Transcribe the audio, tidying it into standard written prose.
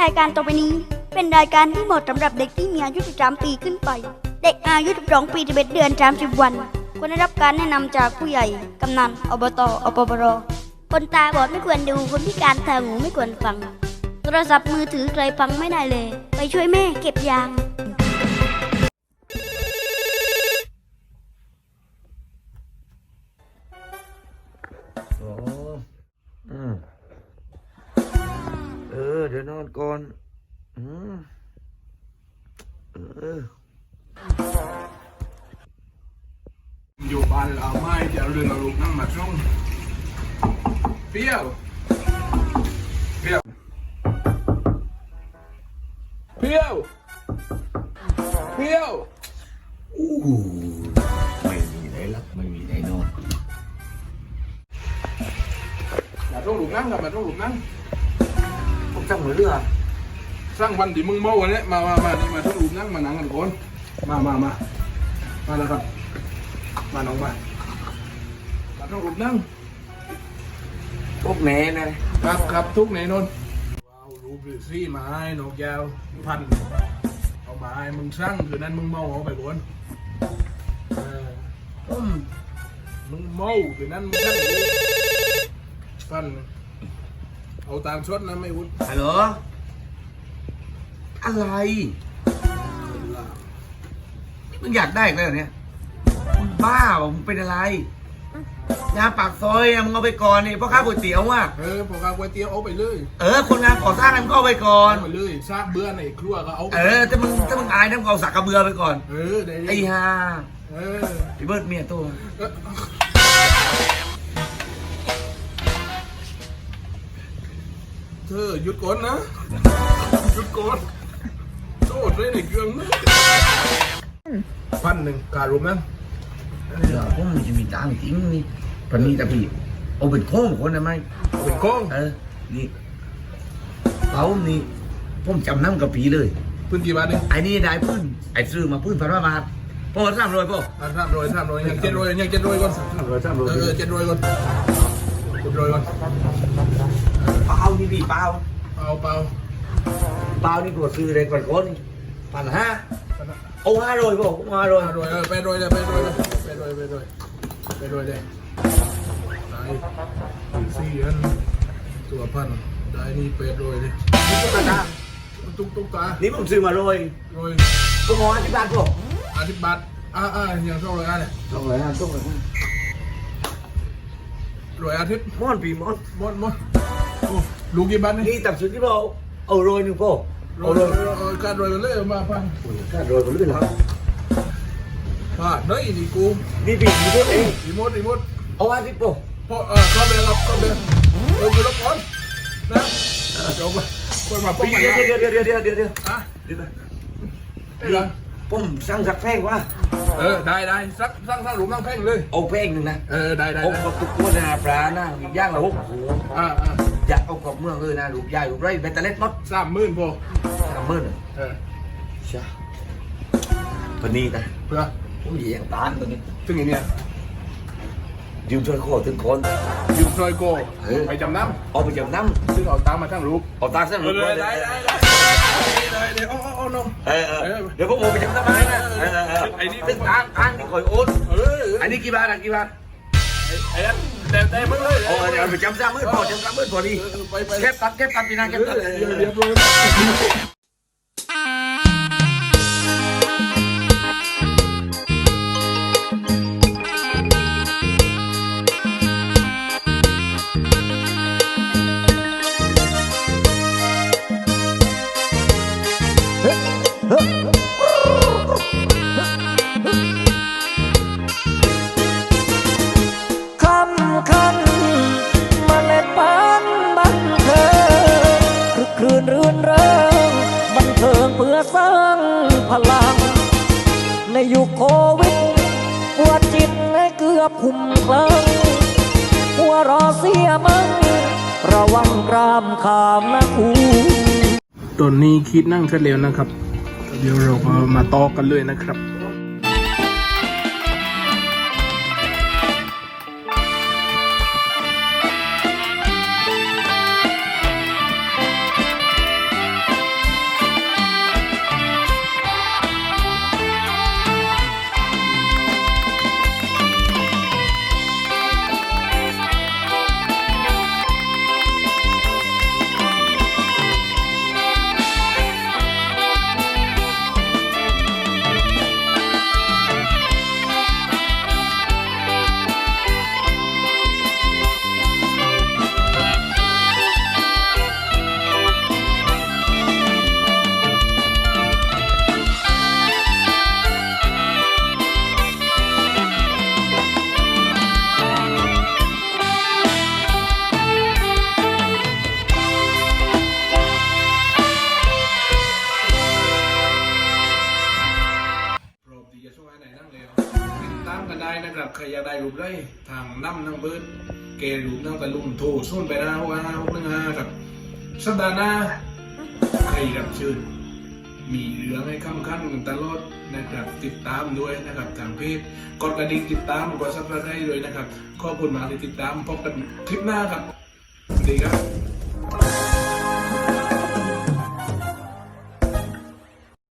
รายการต่อไปนี้เป็นรายการที่เหมาะสำหรับเด็กที่มีอายุ 13 ปีขึ้นไป เด็กอายุ 12 ปี 11 เดือน 30 วันควรได้รับการแนะนำจากผู้ใหญ่ กำนัน อบต อปปร. คนตาบอดไม่ควรดู คนพิการทางหูไม่ควรฟัง โทรศัพท์มือถือใครฟังไม่ได้เลย ไปช่วยแม่เก็บยางโอ้เดี๋ยวนอนก่อนอยู่บ้านเราไม่จะเรื่องเราลูกนั่งมาช่องเปรี้ยวเปรี้ยวเปรี้ยวเปรี้ยวไม่มีไหนหลับไม่มีไหนนอนมาช่องลูกนั่งกับมาช่องลูกนั่งผมสั่งมือเรือสร้างวันที่มึงเมาวันนี้มานี่มาช่องลูกนั่งมานั่งกันก่อนมาแล้วครับมาน้องมาช่องลูกนั่งพวกแหน่นะครับทุกไหนนนว้าวรูปหรือซี่ไม้นกยาวพันเอาไม้มึงสร้างคือนั้นมึงเมาเอาไปบนมึงเมาคือนั้นมึงสร้างพันเอาตามชดนะไม่วุ้นฮัลโหลอะไรมึงอยากได้อีกแล้วเหรอเนี่ยมึงบ้าเปล่ามึงเป็นอะไรยาปากซอยอะมึงเอาไปก่อนนี่พ่อค้าก๋วยเตี๋ยวว่ะพอข้าวก๋วยเตี๋ยวเอาไปเลยคนงานก่อสร้างมันก็เอาไปก่อนเอาไปเลยซากเบื่อในครัวก็เอาไปถ้ามึงอายน้ำเอาสักกระเบือไปก่อนได้ไอ้ห่าเออพี่เบิร์ดเมียตัวเธอหยุดก่อนนะหยุดก่อนโทษเลยในเครื่องนะ1,000การรวมนะเดี๋ยวผมมันจะมีตังค์จริงนี่ปันนี้แต่พี่เอาเป็นโค้งคนได้ไหมเป็นโค้งนี่เขานี่ผมจำนำกับปีเลยพื้นกี่บาทเนี่ยไอ้นี่ได้พื้นไอ้ซื้อมาพื้นพันบาทพ่อ300พ่อ 300ยัง700ก่อน700ก่อนก่อนเปล่านี่พี่เปล่าเปล่านี่ตัวซื้อเลยก่อนคน1,500เอา500พ่อผม500 ไปโดยเลยได้4,000ตัวพันได้นี่ไปโดยเลยนี่ตุ๊กตาตุ๊กตานี่ผมซื้อมาโรยโดยก็งอที่บ้านพ่อ 10 บาทอย่างเท่าไหร่เนี่ย 200 รวยอาทิตย์ม้อนปีม้อนหมดโอ้ลูกกี่บาทนี่นี่ตับสุดที่พ่อเอาโรยหนึ่งพ่อรวยการรวยกันเลยมาพังก็โรยไปเรื่อยครับผ่านเฮ้ยนี่กูนี่ปีนี้ตัวเองรีโมทเอาว่าที่พ่อพอเข้าไปรับไปรับก่อนนะเดี๋ยวคนมาปุ๊บเดี๋ยวอ่ะได้ผมสั่งสักแพงว่าได้สักหลุมนั่งแพ่งเลยเอาแพงหนึ่งนะได้เอากับตุ๊กตัวนาปลาหน้าย่างละ6หัว อยากเอากับเมืองเลยนะลูกใหญ่ลูกไรเบตเตอร์เล็ตน็อต 30,000พอ 30,000ใช่วันนี้นะเพื่อผมเหยียงตานตัวนี้ถึงอย่างเนี้ยยืมช่วยโคถึงคนยืมซอยโก้ไปจำนเอาไปจำนำซึ่งเอาตามมาทั้งรูปำเอาตาเส้นลูกเลยได้เอาน้องเดี๋ยวผมเอาไปจำนำมาให้นะซึ่งทางที่คอยโอนอันนี้กี่บาทไอ้นั่นแต่มึงเลยเดี๋ยวไปจำซ้ำมือพอดีไปเก็บตัดพี่นาเก็บตัดเรียบร้อยคำคันเมล็ดพันธุ์บันเทิงคือคลื่นรื่นเริงบันเทิงเพื่อสร้างพลัง ในยุคโควิดปวดจิตให้เกือบคุ้มคลั่งหัวเรอเสียมั้งระวังกรามขามนะครูตอนนี้คิดนั่งเสร็จแล้วนะครับ เดี๋ยวเราก็มาต่อกันเลยนะครับใครอยากได้รูปได้ทางน้ำนั่งเบิร์ดเกรูปนั่งตะลุมโทรส่วนไปนะ65615ครับสัปดาห์หน้าใครรับเชิญมีเรื่องให้คำคัญกันตลอดนะครับติดตามด้วยนะครับทางเพจกดกระดิ่งติดตามกดซับสไครต์ด้วยนะครับขอบคุณมากที่ติดตามพบกันคลิปหน้าครับสวัสดีครับ